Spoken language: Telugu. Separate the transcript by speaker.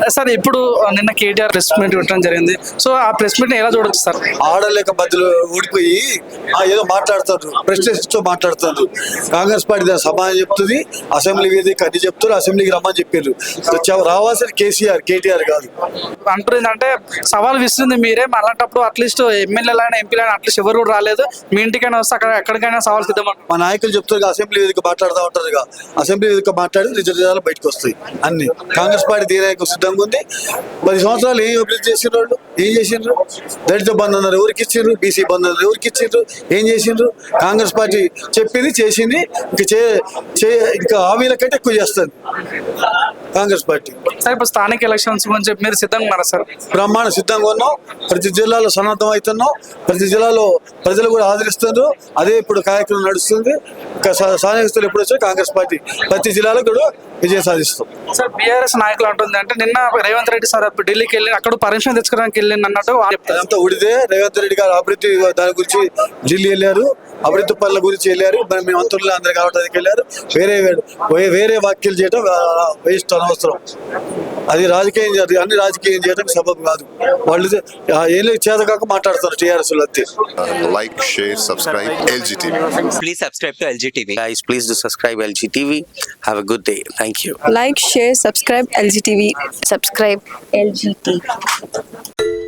Speaker 1: సార్ ఇప్పుడు నిన్న కేటీఆర్ ప్రెస్ మీట్ పెట్టడం జరిగింది. సో ఆ ప్రెస్ మీట్ ఎలా చూడొచ్చు సార్?
Speaker 2: ఆడలేక మధ్యలో ఊడిపోయి ఏదో మాట్లాడుతారు, ప్రెస్టేజ్తో మాట్లాడుతారు. కాంగ్రెస్ పార్టీ దాని సమాధానం చెప్తుంది, అసెంబ్లీ వేదిక అన్ని చెప్తారు, అసెంబ్లీకి రమ్మని చెప్పారు. రావాల్సిన కేటీఆర్ కాదు
Speaker 1: అంటుంది. అంటే సవాల్ విస్తుంది మీరే, అలాంటప్పుడు అట్లీస్ట్ ఎమ్మెల్యేలైనా ఎంపీలైనా అట్లీస్ట్ ఎవరు కూడా రాలేదు, మీ ఇంటికైనా వస్తే అక్కడ ఎక్కడికైనా సవాల్ సిద్ధం.
Speaker 2: మా నాయకులు చెప్తారు, అసెంబ్లీ వేదిక మాట్లాడుతూ ఉంటారు. అసెంబ్లీ వేదిక మాట్లాడి రిజల్ట్ బయటకు వస్తాయి అన్ని. కాంగ్రెస్ పార్టీ తీరానికి సిద్ధంగా ఉంది. 10 సంవత్సరాలు ఏం అభివృద్ధి చేసిన వాళ్ళు ఏం చేసిండ్రు? దళిత బంధు అన్నారు, ఎవరికి ఇచ్చిండ్రు? బీసీ బంధు అన్నారు, ఎవరికి ఇచ్చిండ్రు? ఏం చేసిండ్రు? కాంగ్రెస్ పార్టీ చెప్పింది చేసింది, ఇంకా హామీల కంటే ఎక్కువ చేస్తుంది కాంగ్రెస్ పార్టీ.
Speaker 1: సార్ ఇప్పుడు స్థానిక ఎలక్షన్స్ గురించి మీరు సిద్ధంగా ఉన్నారా సార్?
Speaker 2: బ్రహ్మాండ సిద్ధంగా ఉన్నాం. ప్రతి జిల్లాలో సన్నద్ధం అవుతున్నాం. ప్రతి జిల్లాలో ప్రజలు కూడా ఆదరిస్తున్నారు. అదే ఇప్పుడు కార్యక్రమం నడుస్తుంది. ఇంకా స్థానికస్తులు ఎప్పుడు వచ్చారు కాంగ్రెస్ పార్టీ ప్రతి జిల్లాలో కూడా విజయం సాధిస్తాం.
Speaker 1: సార్ బీఆర్ఎస్ నాయకులు అంటుంది అంటే నిన్న రేవంత్ రెడ్డి సార్ ఢిల్లీకి వెళ్ళి అక్కడ పర్మిషన్ తెచ్చుకోవడానికి వెళ్ళింది అన్నట్టు
Speaker 2: అంతా ఉడితే. రేవంత్ రెడ్డి గారు అభివృద్ధి దాని గురించి ఢిల్లీ వెళ్ళారు, అభివృద్ధి పనుల గురించి వెళ్ళారు, మీ మంత్రులు అందరు కావడానికి వెళ్ళారు. వేరే వ్యాఖ్యలు చేయడం వేస్ట్, అనవసరం. అది రాజకీయం, అన్ని రాజకీయం చేయడం సబబు కాదు. వాళ్ళు ఏం చేత కాక మాట్లాడుతారు టీఆర్ఎస్ అంతే.
Speaker 3: Like, share, subscribe LG TV.
Speaker 4: Please subscribe to LG TV.
Speaker 5: Guys, please do subscribe LG TV. Have a good day. Thank you.
Speaker 6: Like, share, subscribe LG TV.
Speaker 7: Subscribe LG TV.